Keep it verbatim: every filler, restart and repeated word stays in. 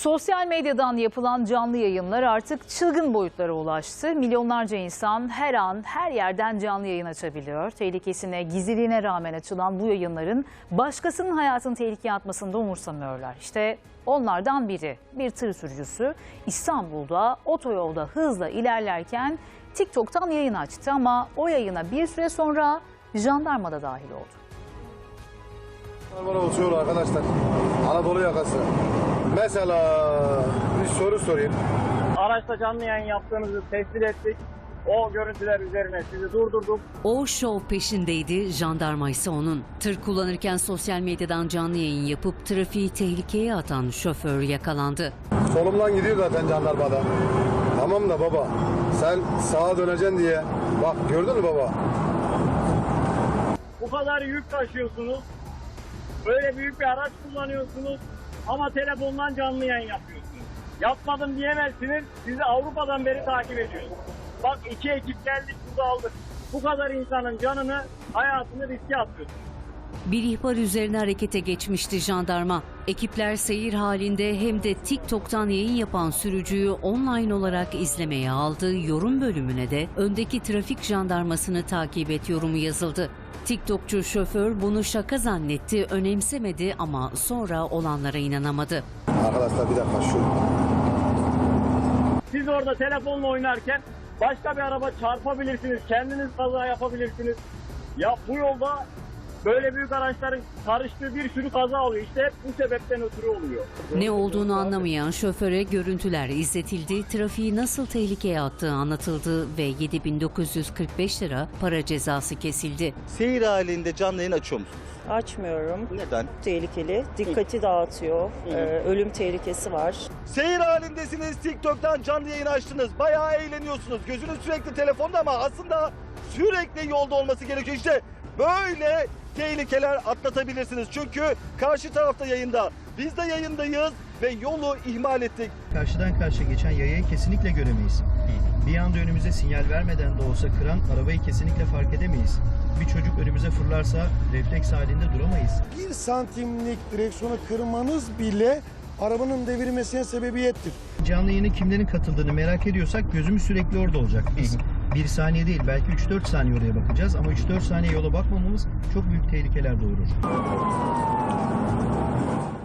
Sosyal medyadan yapılan canlı yayınlar artık çılgın boyutlara ulaştı. Milyonlarca insan her an her yerden canlı yayın açabiliyor. Tehlikesine, gizliliğine rağmen açılan bu yayınların başkasının hayatını tehlikeye atmasını da umursamıyorlar. İşte onlardan biri, bir tır sürücüsü İstanbul'da otoyolda hızla ilerlerken TikTok'tan yayın açtı ama o yayına bir süre sonra jandarma da dahil oldu. Bana uçuyor arkadaşlar. Anadolu yakası. Mesela bir soru sorayım. Araçta canlı yayın yaptığınızı tespit ettik. O görüntüler üzerine sizi durdurduk. O şov peşindeydi, jandarma ise onun. Tır kullanırken sosyal medyadan canlı yayın yapıp trafiği tehlikeye atan şoför yakalandı. Solumdan gidiyor zaten jandarmada. Tamam da baba, sen sağa döneceksin diye. Bak gördün mü baba? Bu kadar yük taşıyorsunuz. Böyle büyük bir araç kullanıyorsunuz. Ama telefondan canlı yayın yapıyorsunuz. Yapmadım diyemezsiniz. Sizi Avrupa'dan beri takip ediyoruz. Bak iki ekip geldik, burada aldık. Bu kadar insanın canını, hayatını riske atıyorsunuz. Bir ihbar üzerine harekete geçmişti jandarma. Ekipler seyir halinde hem de TikTok'tan yayın yapan sürücüyü online olarak izlemeye aldı. Yorum bölümüne de öndeki trafik jandarmasını takip et yorumu yazıldı. TikTokçu şoför bunu şaka zannetti, önemsemedi ama sonra olanlara inanamadı. Arkadaşlar bir dakika şu. Siz orada telefonla oynarken başka bir araba çarpabilirsiniz, kendiniz kaza yapabilirsiniz. Ya bu yolda böyle büyük araçların karıştığı bir sürü kaza oluyor. İşte hep bu sebepten ötürü oluyor. Ne olduğunu anlamayan şoföre görüntüler izletildi, trafiği nasıl tehlikeye attığı anlatıldı ve yedi bin dokuz yüz kırk beş lira para cezası kesildi. Seyir halinde canlı yayın açıyor musunuz? Açmıyorum. Neden? Tehlikeli. Dikkati dağıtıyor. Ee, ölüm tehlikesi var. Seyir halindesiniz, TikTok'tan canlı yayın açtınız. Bayağı eğleniyorsunuz. Gözünüz sürekli telefonda ama aslında sürekli yolda olması gerekiyor. İşte böyle tehlikeler atlatabilirsiniz. Çünkü karşı tarafta yayında. Biz de yayındayız ve yolu ihmal ettik. Karşıdan karşıya geçen yayayı kesinlikle göremeyiz. Bir anda önümüze sinyal vermeden de olsa kıran arabayı kesinlikle fark edemeyiz. Bir çocuk önümüze fırlarsa refleks halinde duramayız. Bir santimlik direksiyonu kırmanız bile arabanın devirmesine sebebiyettir. Canlı yayına kimlerin katıldığını merak ediyorsak gözümüz sürekli orada olacak. Biz bir saniye değil belki üç dört saniye oraya bakacağız ama üç dört saniye yola bakmamamız çok büyük tehlikeler doğurur.